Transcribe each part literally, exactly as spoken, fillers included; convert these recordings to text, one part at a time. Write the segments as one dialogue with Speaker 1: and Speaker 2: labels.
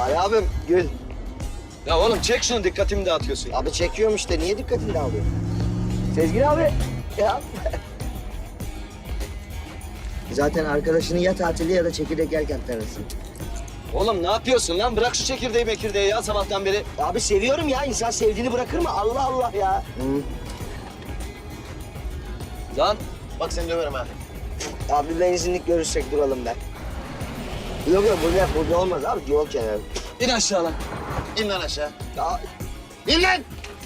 Speaker 1: Ali abim gül.
Speaker 2: Ya oğlum çek şunu, dikkatimi dağıtıyorsun.
Speaker 1: Abi çekiyorum işte. Niye dikkatini dağılıyor? Sezgin abi. Ya. Zaten arkadaşını ya tatilde ya da çekirdek yerken tanırsın.
Speaker 2: Oğlum ne yapıyorsun lan? Bırak şu çekirdeği mekirdeği ya sabahtan beri.
Speaker 1: Abi seviyorum ya. İnsan sevdiğini bırakır mı? Allah Allah ya. Hı.
Speaker 2: Lan
Speaker 3: Bak seni döverim ha.
Speaker 1: Abi benzinlik görüşsek duralım ben. Yok yok burada, burada olmaz abi. Yol kenarı.
Speaker 2: in aşağı lan.
Speaker 3: İn lan aşağı.
Speaker 1: Ya,
Speaker 3: İn lan!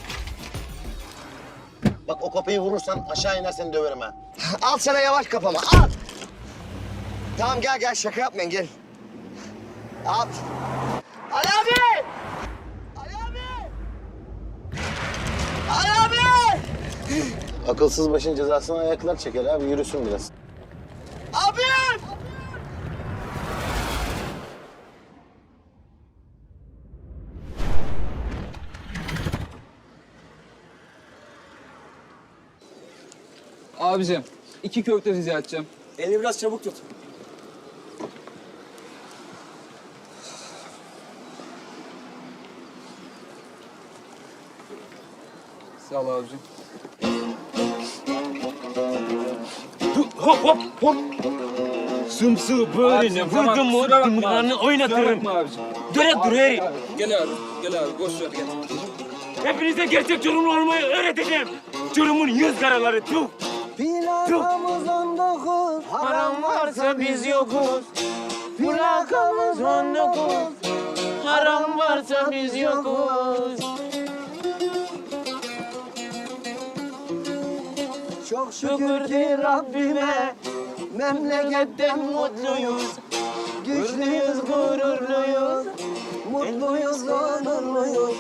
Speaker 3: Bak o kapıyı vurursan aşağı iner seni döverim ha.
Speaker 1: al sana yavaş kafama. Al. Tamam gel gel şaka yapmayın gel. Al. Ali abi! Ali abi! Ali abi!
Speaker 3: Akılsız başın cezasını ayaklar çeker abi, yürüsün biraz.
Speaker 1: Abim!
Speaker 4: Abicim, iki köfte rica edeceğim.
Speaker 2: Elini biraz çabuk tut.
Speaker 4: Sağ ol abicim.
Speaker 5: Hop hop hop. Sımsığı böyle
Speaker 4: Abicim, tamam,
Speaker 5: vurdum mu
Speaker 4: kusura bakma
Speaker 5: dımağını
Speaker 4: abi.
Speaker 5: oynatırım.
Speaker 4: Kusura bakma abicim.
Speaker 5: Döre dur herif.
Speaker 4: Abi, gel abi, gel abi. Boş ver, gel.
Speaker 5: Hepinize gerçek Çorumlu olmayı öğreteceğim. Çorum'un yüz karaları tuh.
Speaker 1: Plakamız on dokuz,
Speaker 5: Param varsa biz yokuz. Plakamız on dokuz. Haram varsa biz yokuz.
Speaker 1: Çok şükür ki Rabbime memleketten mutluyuz. Güçlüyüz, gururluyuz, mutluyuz, onurluyuz.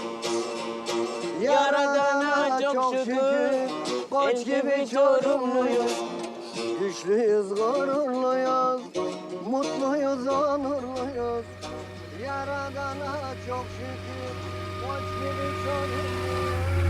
Speaker 1: Yaradana çok şükür, koç gibi Çorumluyuz. Güçlüyüz, gururluyuz, mutluyuz, onurluyuz. Yaradana çok şükür, koç gibi Çorumluyuz.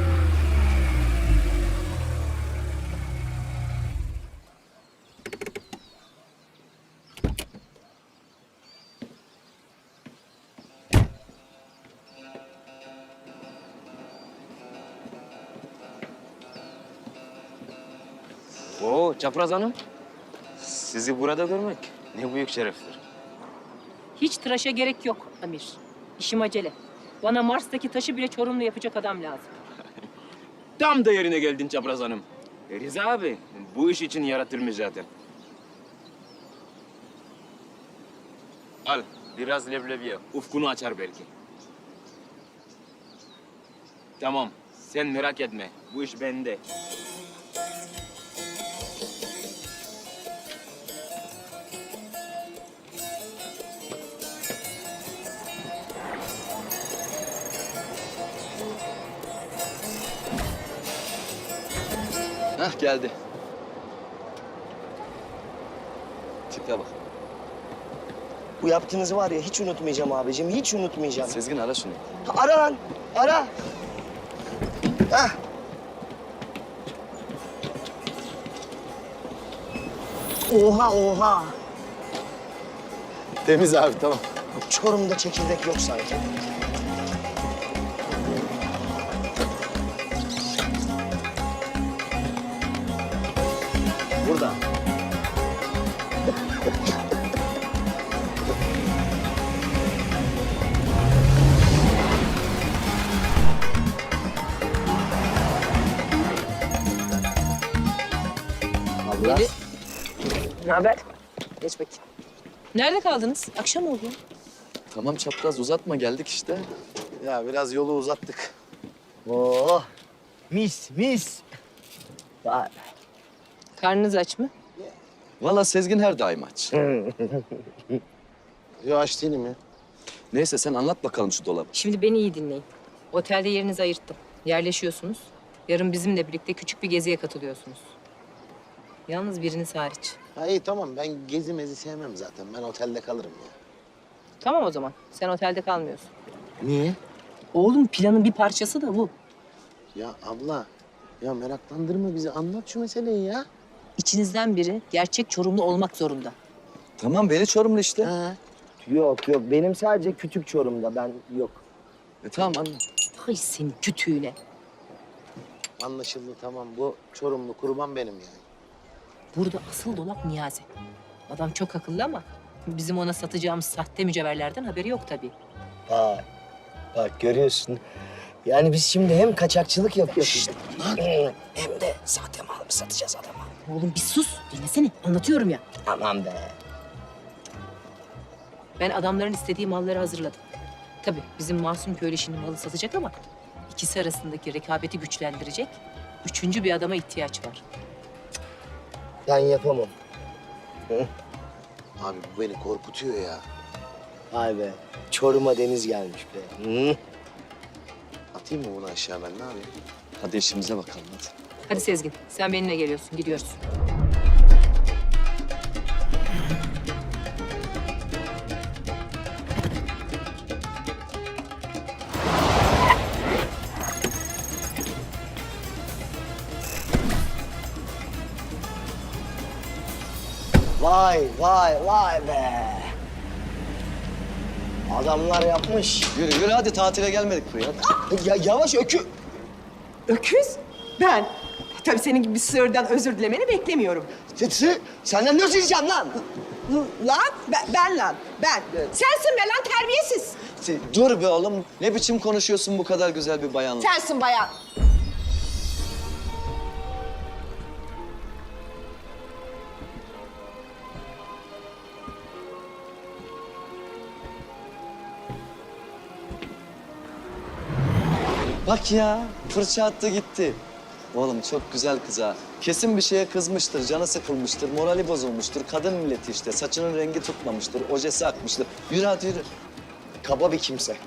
Speaker 5: Oo Çapraz Hanım. Sizi burada görmek ne büyük şereftir.
Speaker 6: Hiç tıraşa gerek yok Amir. İşim acele. Bana Mars'taki taşı bile Çorumlu yapacak adam lazım.
Speaker 5: Tam da yerine geldin Çapraz Hanım. E, Rıza abi bu iş için yaratılmış zaten. Al biraz leblebi ye. Ufkunu açar belki. Tamam sen merak etme. Bu iş bende.
Speaker 2: Hah geldi. Tipe bak.
Speaker 1: Bu yaptığınızı var ya hiç unutmayacağım abicim, hiç unutmayacağım.
Speaker 2: Sezgin ara şunu.
Speaker 1: Ara lan, ara. Hah. Oha, oha.
Speaker 3: Temiz abi, tamam.
Speaker 1: Çorum'da çekirdek yok sanki.
Speaker 3: Burada.
Speaker 1: Abla.
Speaker 6: Ne haber? Geç bakayım. Nerede kaldınız? Akşam oldu.
Speaker 2: Tamam çapraz uzatma, geldik işte.
Speaker 3: Ya biraz yolu uzattık.
Speaker 1: Oh, mis, mis. Vay.
Speaker 6: Karnınız aç mı?
Speaker 2: Vallahi Sezgin her daim aç.
Speaker 3: Yo aç değilim ya.
Speaker 2: Neyse sen anlat bakalım şu dolabı.
Speaker 6: Şimdi beni iyi dinleyin. Otelde yerinizi ayırttım. Yerleşiyorsunuz. Yarın bizimle birlikte küçük bir geziye katılıyorsunuz. Yalnız biriniz hariç.
Speaker 3: Ha iyi tamam, ben gezi mezi sevmem zaten. Ben otelde kalırım ya.
Speaker 6: Tamam o zaman. Sen otelde kalmıyorsun.
Speaker 3: Niye?
Speaker 6: Oğlum planın bir parçası da bu.
Speaker 3: Ya abla, ya meraklandırma bizi. Anlat şu meseleyi ya.
Speaker 6: İçinizden biri gerçek Çorumlu olmak zorunda.
Speaker 2: Tamam beni Çorumlu işte.
Speaker 3: Ha.
Speaker 1: Yok yok benim sadece kütük Çorum'da ben yok.
Speaker 2: E tamam anne.
Speaker 6: Hay senin kütüğüne.
Speaker 3: Anlaşıldı tamam. Bu Çorumlu kurban benim yani.
Speaker 6: Burada asıl dolap Niyazi. Adam çok akıllı ama bizim ona satacağımız sahte mücevherlerden haberi yok tabii.
Speaker 1: Bak, bak görüyorsun. Yani biz şimdi hem kaçakçılık yapıyoruz. Hem de sahte mal mı satacağız adama?
Speaker 6: Oğlum bir sus. Dinlesene. Anlatıyorum ya.
Speaker 1: Aman be.
Speaker 6: Ben adamların istediği malları hazırladım. Tabii bizim Masum Köylü şimdi malı satacak ama ikisi arasındaki rekabeti güçlendirecek üçüncü bir adama ihtiyaç var.
Speaker 1: Ben yapamam.
Speaker 3: Abi bu beni korkutuyor ya.
Speaker 1: Vay be. Çorum'a deniz gelmiş be. Hı?
Speaker 3: Atayım mı bunu aşağı ben ne yapayım?
Speaker 2: Hadi işimize bakalım hadi.
Speaker 6: Hadi Sezgin, sen benimle geliyorsun. Gidiyoruz.
Speaker 1: Vay vay vay be. Adamlar yapmış.
Speaker 2: Yürü yürü hadi tatile gelmedik buraya. Hadi.
Speaker 1: Ya yavaş ökü.
Speaker 7: Öküz? Ben. Tabii senin gibi bir sığırdan özür dilemeni beklemiyorum.
Speaker 1: Titsi, senden nasıl yiyeceğim lan?
Speaker 7: Lan, ben, ben lan, ben. Sensin be lan terbiyesiz.
Speaker 2: Dur be oğlum. Ne biçim konuşuyorsun bu kadar güzel bir bayanla?
Speaker 7: Sensin bayan.
Speaker 2: Bak ya fırça attı gitti. Oğlum çok güzel kız ha. Kesin bir şeye kızmıştır, canı sıkılmıştır, morali bozulmuştur. Kadın milleti işte, saçının rengi tutmamıştır, ojesi akmıştır. Yürü hadi yürü.
Speaker 1: Kaba bir kimse.